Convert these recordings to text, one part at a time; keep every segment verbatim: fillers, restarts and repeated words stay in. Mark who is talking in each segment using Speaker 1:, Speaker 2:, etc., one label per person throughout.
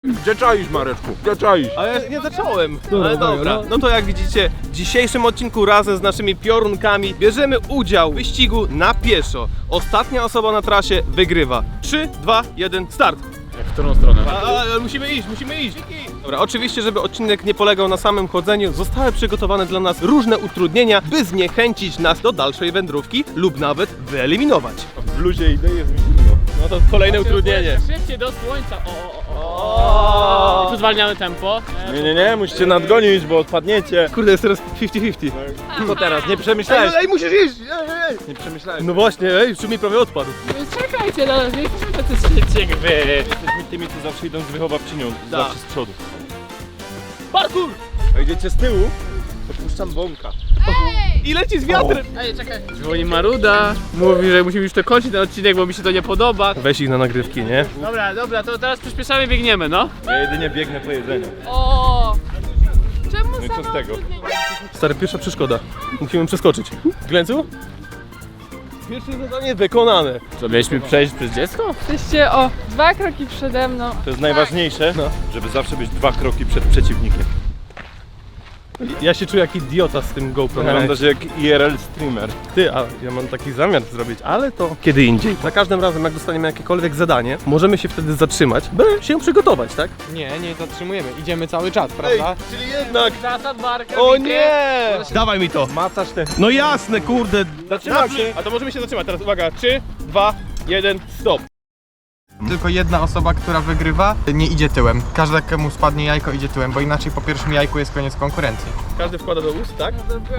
Speaker 1: Gdzie czaisz, Mareczku? Gdzie czaisz?
Speaker 2: Ale ja nie zacząłem.
Speaker 3: Dobra,
Speaker 2: Ale
Speaker 3: dobra,
Speaker 2: dobra.
Speaker 3: no.
Speaker 2: No to jak widzicie, w dzisiejszym odcinku razem z naszymi piorunkami bierzemy udział w wyścigu na pieszo. Ostatnia osoba na trasie wygrywa. trzy, dwa, jeden, start!
Speaker 3: W którą stronę?
Speaker 2: A, ale musimy iść, musimy iść. Dobra, oczywiście, żeby odcinek nie polegał na samym chodzeniu, zostały przygotowane dla nas różne utrudnienia, by zniechęcić nas do dalszej wędrówki lub nawet wyeliminować.
Speaker 1: W bluzie idę, jest mi zimno.
Speaker 2: No to kolejne utrudnienie.
Speaker 3: Szybciej do słońca. O, o, o. I tu zwalniamy tempo.
Speaker 1: Nie, nie, nie, musicie nadgonić, bo odpadniecie.
Speaker 2: Kurde, jest teraz pięćdziesiąt pięćdziesiąt.
Speaker 1: Co teraz? Nie przemyślałeś?
Speaker 2: Ej, musisz iść! Ej, ej.
Speaker 1: Nie przemyślałeś.
Speaker 2: No właśnie, ej, czy mi prawie odpadł.
Speaker 3: Czekajcie, no, nie chcemy tacy szybcy jak wy.
Speaker 1: Jesteśmy tymi, co zawsze idą z wychowawczynią, zawsze z przodu.
Speaker 2: Parkour!
Speaker 1: A idziecie z tyłu, to puszczam bąka.
Speaker 2: I leci z wiatrem!
Speaker 3: Ej, czekaj. Dzwoni Maruda. Mówi, że musimy już to kończyć ten odcinek, bo mi się to nie podoba.
Speaker 2: Weź ich na nagrywki, nie?
Speaker 3: Dobra, dobra, to teraz przyspieszamy, biegniemy, no.
Speaker 1: Ja jedynie biegnę po jedzeniu.
Speaker 4: O! Czemu
Speaker 1: No i co z tego?
Speaker 2: Stary, pierwsza przeszkoda. Musimy przeskoczyć. Glęcu? Pierwsze zadanie wykonane.
Speaker 3: Co, mieliśmy przejść przez dziecko?
Speaker 4: Jesteście o dwa kroki przede mną.
Speaker 1: To jest najważniejsze,
Speaker 2: No.
Speaker 1: żeby zawsze być dwa kroki przed przeciwnikiem.
Speaker 2: Ja się czuję jak idiota z tym GoPro.
Speaker 1: Wyglądasz jak I R L streamer.
Speaker 2: Ty, a ja mam taki zamiar zrobić, ale to kiedy indziej. Za każdym razem, jak dostaniemy jakiekolwiek zadanie, możemy się wtedy zatrzymać, by się przygotować, tak?
Speaker 5: Nie, nie zatrzymujemy, idziemy cały czas, prawda?
Speaker 2: czyli jednak...
Speaker 3: Zasad barka.
Speaker 2: O nie! Dawaj mi to!
Speaker 1: Macasz te...
Speaker 2: No jasne, kurde!
Speaker 1: Zatrzymam się.
Speaker 2: A to możemy się zatrzymać. Teraz uwaga, trzy, dwa, jeden, stop.
Speaker 5: Tylko jedna osoba, która wygrywa, nie idzie tyłem. Każda, komu spadnie jajko, idzie tyłem, bo inaczej po pierwszym jajku jest koniec konkurencji.
Speaker 2: Każdy wkłada do ust, tak?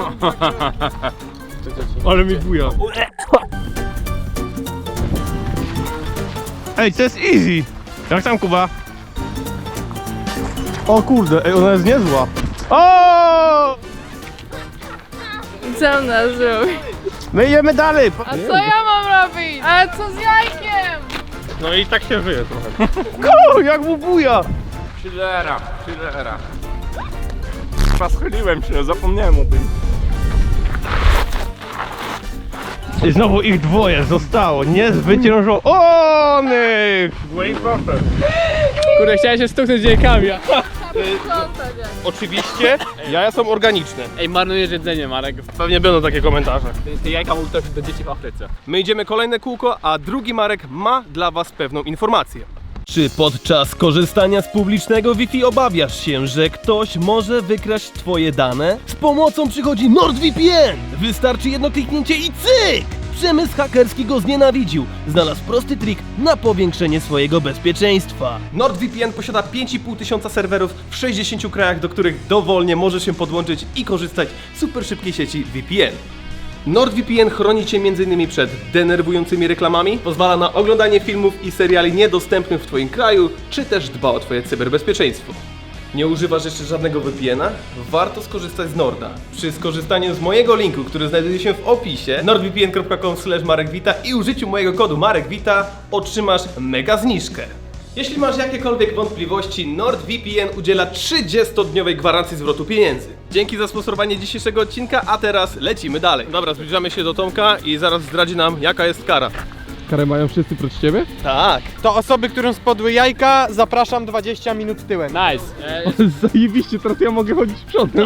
Speaker 3: Ale mi buja.
Speaker 2: Ej, to jest easy! Jak tam, Kuba? O kurde, ej, ona jest niezła. O!
Speaker 4: Co on nas zrobi?
Speaker 2: My idziemy dalej!
Speaker 4: A co ja mam robić? Ale co z jajkiem?
Speaker 2: No i tak się żyje trochę. Ko, jak mu buja!
Speaker 1: Chillera, chillera. Schyliłem się, zapomniałem o tym.
Speaker 2: I znowu ich dwoje zostało, niezwyciężonych!
Speaker 3: Kurde, chciałem się stuknąć jajkami. a-
Speaker 4: Sprzątać jak.
Speaker 2: Oczywiście, jaja są organiczne.
Speaker 3: Ej, marnujesz jedzenie, Marek.
Speaker 2: Pewnie będą takie komentarze.
Speaker 3: Te jajka mogą trafić do dzieci w Afryce.
Speaker 2: My idziemy kolejne kółko, a drugi Marek ma dla was pewną informację. Czy podczas korzystania z publicznego Wi-Fi obawiasz się, że ktoś może wykraść twoje dane? Z pomocą przychodzi NordVPN! Wystarczy jedno kliknięcie i cyk! Przemysł hakerski go znienawidził. Znalazł prosty trik na powiększenie swojego bezpieczeństwa. NordVPN posiada pięć i pół tysiąca serwerów w sześćdziesięciu krajach, do których dowolnie możesz się podłączyć i korzystać z super szybkiej sieci V P N. NordVPN chroni Cię między innymi przed denerwującymi reklamami, pozwala na oglądanie filmów i seriali niedostępnych w Twoim kraju, czy też dba o Twoje cyberbezpieczeństwo. Nie używasz jeszcze żadnego V P N a? Warto skorzystać z Norda. Przy skorzystaniu z mojego linku, który znajduje się w opisie, nordvpn kropka com slash marekwita i użyciu mojego kodu marekwita otrzymasz mega zniżkę. Jeśli masz jakiekolwiek wątpliwości, NordVPN udziela trzydziestodniowej gwarancji zwrotu pieniędzy. Dzięki za sponsorowanie dzisiejszego odcinka, a teraz lecimy dalej. Dobra, zbliżamy się do Tomka i zaraz zdradzi nam, jaka jest kara.
Speaker 6: Karę mają wszyscy prócz ciebie?
Speaker 2: Tak.
Speaker 5: To osoby, którym spadły jajka, zapraszam dwadzieścia minut tyłem.
Speaker 3: Nice. E,
Speaker 6: Zajebiście, teraz ja mogę chodzić przodem.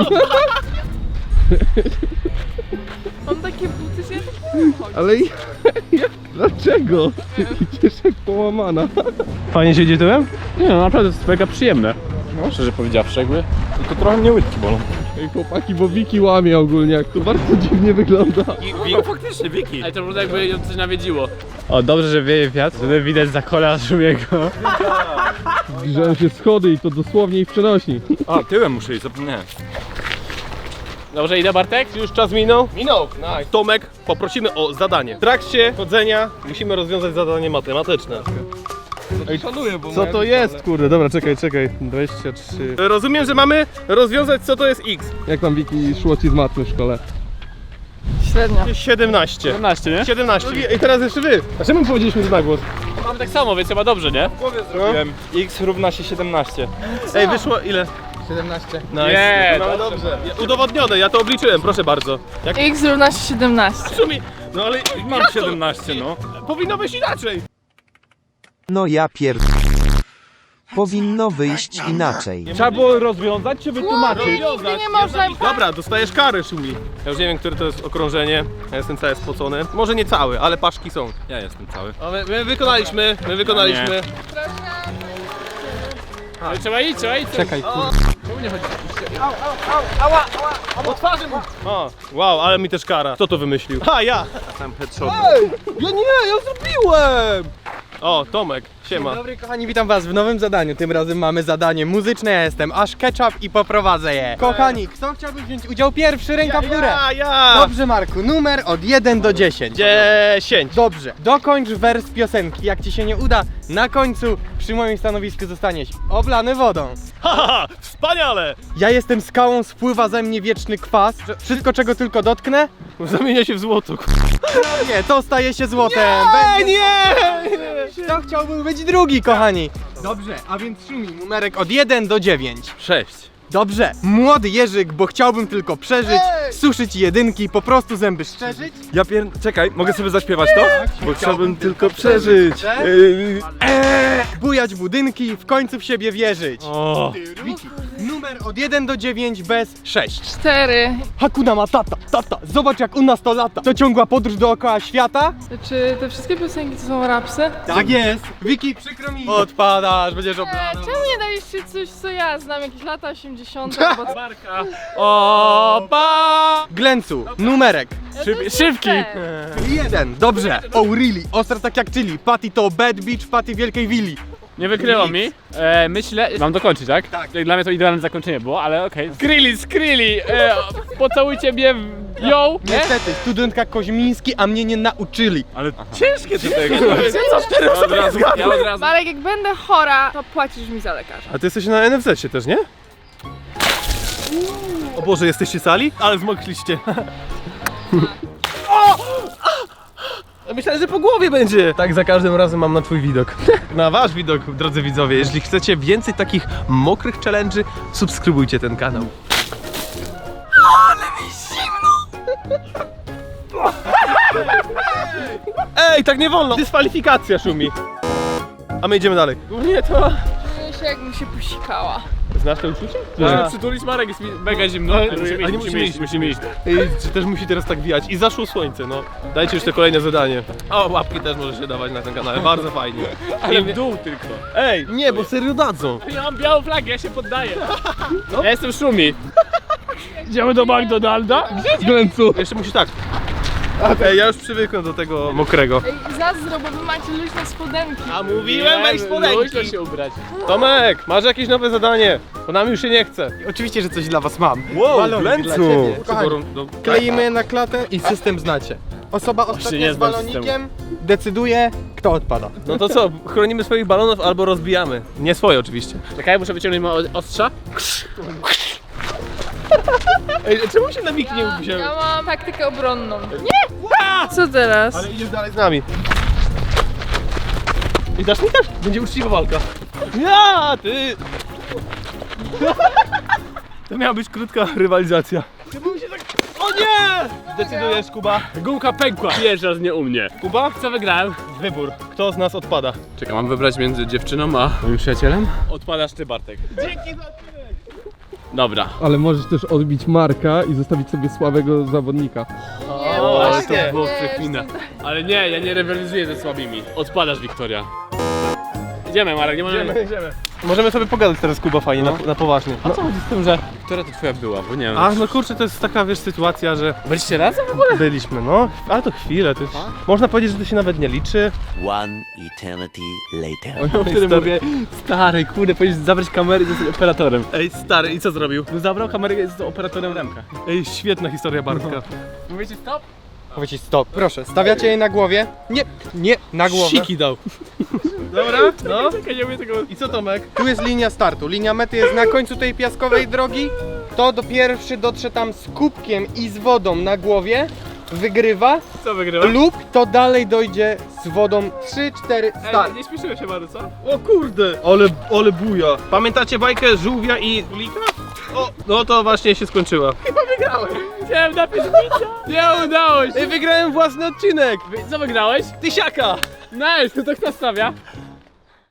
Speaker 4: Mam takie buty, że ja tak nie wiem chodzić.
Speaker 6: Ale i- dlaczego? Idziesz jak połamana.
Speaker 2: Fajnie się idzie tyłem?
Speaker 3: nie no, naprawdę to jest mega przyjemne. No, szczerze powiedziawszy, jakby.
Speaker 1: Tylko trochę mnie łydki bolą.
Speaker 6: Ej chłopaki, bo Wiki łamie ogólnie, jak to bardzo dziwnie wygląda.
Speaker 1: No faktycznie, Wiki.
Speaker 3: Ale to wygląda jakby ją coś nawiedziło. O, dobrze, że wieje wiatr, żeby widać za kola Szumiego.
Speaker 6: Zbliżają się schody i to dosłownie ich przenosi.
Speaker 1: A, tyłem muszę iść, zapomniałem.
Speaker 3: Dobrze, idę, Bartek?
Speaker 2: Już czas minął? Minął. Nice. Tomek, poprosimy o zadanie. W trakcie chodzenia musimy rozwiązać zadanie matematyczne.
Speaker 6: Ej, szanuję, bo
Speaker 2: Co to jest? Kurde, dobra, czekaj, czekaj. dwadzieścia trzy. Rozumiem, że mamy rozwiązać, co to jest x.
Speaker 6: Jak tam Wiki szło ci z matmy w szkole?
Speaker 4: Średnio.
Speaker 2: siedemnaście.
Speaker 3: siedemnaście, nie?
Speaker 2: siedemnaście. I teraz jeszcze wy. A czemu powiedzieliśmy to na głos?
Speaker 3: Mam tak samo, więc chyba dobrze, nie?
Speaker 1: Zrobiłem. X równa się siedemnaście.
Speaker 2: Ej, wyszło ile?
Speaker 5: siedemnaście.
Speaker 2: Nice.
Speaker 3: Nie,
Speaker 2: no dobrze. Udowodnione, ja to obliczyłem, proszę bardzo. Jak
Speaker 4: X równa się siedemnaście.
Speaker 2: szumi? No ale
Speaker 1: Mam
Speaker 2: jak to?
Speaker 1: siedemnaście, no.
Speaker 2: Powinno być inaczej.
Speaker 7: No ja pier... Powinno wyjść inaczej.
Speaker 1: Trzeba było rozwiązać czy wytłumaczyć?
Speaker 4: Nigdy nie można...
Speaker 2: Dobra, dostajesz karę, Szumi. Ja już nie wiem, które to jest okrążenie. Ja jestem cały spocony. Może nie cały, ale paszki są.
Speaker 1: Ja jestem cały.
Speaker 2: A my, my wykonaliśmy, my wykonaliśmy.
Speaker 3: Ale trzeba iść, trzeba iść.
Speaker 5: Czekaj, kurde.
Speaker 2: O twarzy mu! O, wow, ale mi też kara. Kto to wymyślił? Ha, ja!
Speaker 1: Tam headshot.
Speaker 2: Ja nie, ja zrobiłem! O, Tomek, siema.
Speaker 5: Dzień dobry kochani, witam was w nowym zadaniu. Tym razem mamy zadanie muzyczne, ja jestem aż ketchup i poprowadzę je. Kochani, kto chciałby wziąć udział pierwszy? Ręka w górę.
Speaker 2: Ja, ja!
Speaker 5: Dobrze Marku, numer od jeden do dziesięciu.
Speaker 2: Dziesięć.
Speaker 5: Dobrze, dokończ wers piosenki. Jak ci się nie uda, na końcu przy moim stanowisku zostaniesz oblany wodą.
Speaker 2: Haha, wspaniale!
Speaker 5: Ja jestem skałą, spływa ze mnie wieczny kwas. Wszystko czego tylko dotknę,
Speaker 2: Zamienia się w złoto.
Speaker 5: nie, to staje się złotem.
Speaker 2: Nie,
Speaker 5: Będzie...
Speaker 2: nie!
Speaker 5: Kto chciałby być drugi, kochani? Dobrze, a więc Szumi, numerek od jeden do dziewięciu.
Speaker 2: Sześć.
Speaker 5: Dobrze, młody Jerzyk, bo chciałbym tylko przeżyć, suszyć jedynki, po prostu zęby szczerzyć.
Speaker 1: Ja pier... Czekaj, mogę sobie zaśpiewać to? Bo chciałbym tylko
Speaker 5: przeżyć.
Speaker 1: przeżyć. Yy,
Speaker 5: Bujać budynki, w końcu w siebie wierzyć.
Speaker 2: O.
Speaker 5: Wiki, numer od jeden do dziewięciu bez sześć.
Speaker 4: Cztery.
Speaker 5: Hakuna Matata, tata, zobacz jak u nas to lata. To ciągła podróż dookoła świata?
Speaker 4: Czy te wszystkie piosenki to są rapsy?
Speaker 5: Tak jest. Wiki, przykro mi. Odpadasz, będziesz
Speaker 4: E,
Speaker 5: oblana.
Speaker 4: czemu nie daliście coś, co ja znam? Jakieś lata osiemdziesiąte albo...
Speaker 5: Opa! Glencu, numerek.
Speaker 3: Szyb, szybki.
Speaker 5: Jeden, dobrze. Oh really, ostra tak jak chili. Patty to bad bitch, Patty wielkiej willi.
Speaker 3: Nie wykryło mi. E, myślę, mam dokończyć, tak?
Speaker 5: Tak.
Speaker 3: Dla mnie to idealne zakończenie było, ale okej. Okay. Skrilli, skrilli! E, pocałujcie mnie w ją! Nie?
Speaker 5: Niestety, studentka Koźmiński, a mnie nie nauczyli.
Speaker 1: ale ciężkie to tego.
Speaker 3: Ja od razu, ja od razu.
Speaker 4: Marek, jak będę chora, to płacisz mi za lekarza.
Speaker 2: A ty jesteś na N F Z-ie też, nie? O Boże, jesteście sali? Ale zmokliście. Myślałem, że po głowie będzie. Tak za każdym razem mam na twój widok. Na wasz widok, drodzy widzowie. Jeśli chcecie więcej takich mokrych challenge'y, subskrybujcie ten kanał. Ale mi zimno! Ej, tak nie wolno! Dyskwalifikacja, Szumi. A my idziemy dalej. Nie, to...
Speaker 4: Czuję się, jakbym się posikała.
Speaker 2: Znasz to uczucie?
Speaker 3: Musimy przytulić Marek, jest mi mega zimno. Musimy
Speaker 2: A nie
Speaker 3: iść, musimy iść, musimy iść.
Speaker 2: Ej, czy też musi teraz tak wijać. I zaszło słońce, no. Dajcie już te kolejne zadanie. O, łapki też możecie dawać na ten kanał, bardzo fajnie.
Speaker 3: Ale w dół tylko.
Speaker 2: Ej, nie, bo serio dadzą.
Speaker 3: Ja mam białą flagę, ja się poddaję. Ja jestem Szumi. Idziemy do McDonalda?
Speaker 2: Glencu. Jeszcze musisz tak. Ej, ja już przywykłem do tego mokrego.
Speaker 4: Ej, zazdro, bo wy macie luźne spodenki.
Speaker 2: A mówiłem, weź
Speaker 3: Luźno
Speaker 2: spodenki.
Speaker 3: się ubrać.
Speaker 2: Tomek, masz jakieś nowe zadanie? Bo nam już się nie chce.
Speaker 5: Oczywiście, że coś dla was mam.
Speaker 2: Wow,
Speaker 5: Balonik
Speaker 2: Glencu.
Speaker 5: dla ciebie. Kochani,
Speaker 2: No,
Speaker 5: kleimy je na klatę i system znacie. Osoba
Speaker 3: nie
Speaker 5: ostatnia z
Speaker 3: znam
Speaker 5: balonikiem decyduje, kto odpada.
Speaker 2: no to co, chronimy swoich balonów albo rozbijamy. Nie swoje oczywiście.
Speaker 3: Czekaj, muszę wyciągnąć moje ostrza.
Speaker 2: Ej, czemu się na mik nie
Speaker 4: Ja,
Speaker 2: wzięły?
Speaker 4: ja mam taktykę obronną. Nie! Co teraz?
Speaker 2: Ale idziesz dalej z nami. I dasz mi też? Będzie uczciwa walka. Ja, ty! To miała być krótka rywalizacja. O nie! Decydujesz, Kuba.
Speaker 3: Gumka pękła. Pierwszy raz nie u mnie.
Speaker 2: Kuba?
Speaker 3: Co wygrałem?
Speaker 2: Wybór. Kto z nas odpada?
Speaker 3: Czekaj, mam wybrać między dziewczyną a moim przyjacielem? Odpadasz ty, Bartek.
Speaker 2: Dzięki za odcinek.
Speaker 3: Dobra.
Speaker 6: Ale możesz też odbić Marka i zostawić sobie słabego zawodnika.
Speaker 4: Nie,
Speaker 2: O,
Speaker 4: Marek,
Speaker 2: ale to
Speaker 3: było
Speaker 4: nie,
Speaker 3: przekmina.
Speaker 4: jestem-
Speaker 3: Ale nie, ja nie rywalizuję ze słabymi. Odpadasz, Wiktoria. Idziemy, Marek, nie możemy...
Speaker 2: Idziemy, idziemy. Możemy sobie pogadać teraz, Kuba, fajnie, na, na poważnie.
Speaker 3: A co chodzi z tym, że... Która to twoja była, bo nie wiem.
Speaker 2: A, no kurczę, to jest taka, wiesz, sytuacja, że
Speaker 3: Byliście razem?
Speaker 2: byliśmy, no. Ale to chwilę, to jest... Można powiedzieć, że to się nawet nie liczy.
Speaker 7: One eternity later.
Speaker 3: Ja wtedy mówię, stary, kurde, powinieneś zabrać kamerę i zostać operatorem.
Speaker 2: Ej, stary, i co zrobił?
Speaker 3: No zabrał kamerę i jest operatorem Remka.
Speaker 2: Ej, świetna historia Bartka.
Speaker 3: Mówicie stop?
Speaker 5: Powiedzcie stop. Proszę, stawiacie je na głowie. Nie, nie, na głowę.
Speaker 2: Siki dał. Dobra, no.
Speaker 3: Czekaj, nie mówię tego.
Speaker 2: I co, Tomek?
Speaker 5: Tu jest linia startu. Linia mety jest na końcu tej piaskowej drogi. To do pierwszy dotrze tam z kubkiem i z wodą na głowie. Wygrywa.
Speaker 3: Co wygrywa?
Speaker 5: Lub to dalej dojdzie z wodą trzy cztery start.
Speaker 3: Ej, nie śpieszymy się bardzo, co?
Speaker 2: O kurde, ale, ale buja. Pamiętacie bajkę żółwia i królika? O, no to właśnie się skończyła.
Speaker 3: Chciałem napić bicia. Nie udało się.
Speaker 2: Ej, wygrałem własny odcinek.
Speaker 3: Wy- Co wygrałeś?
Speaker 2: Tysiaka.
Speaker 3: Nice, to kto stawia?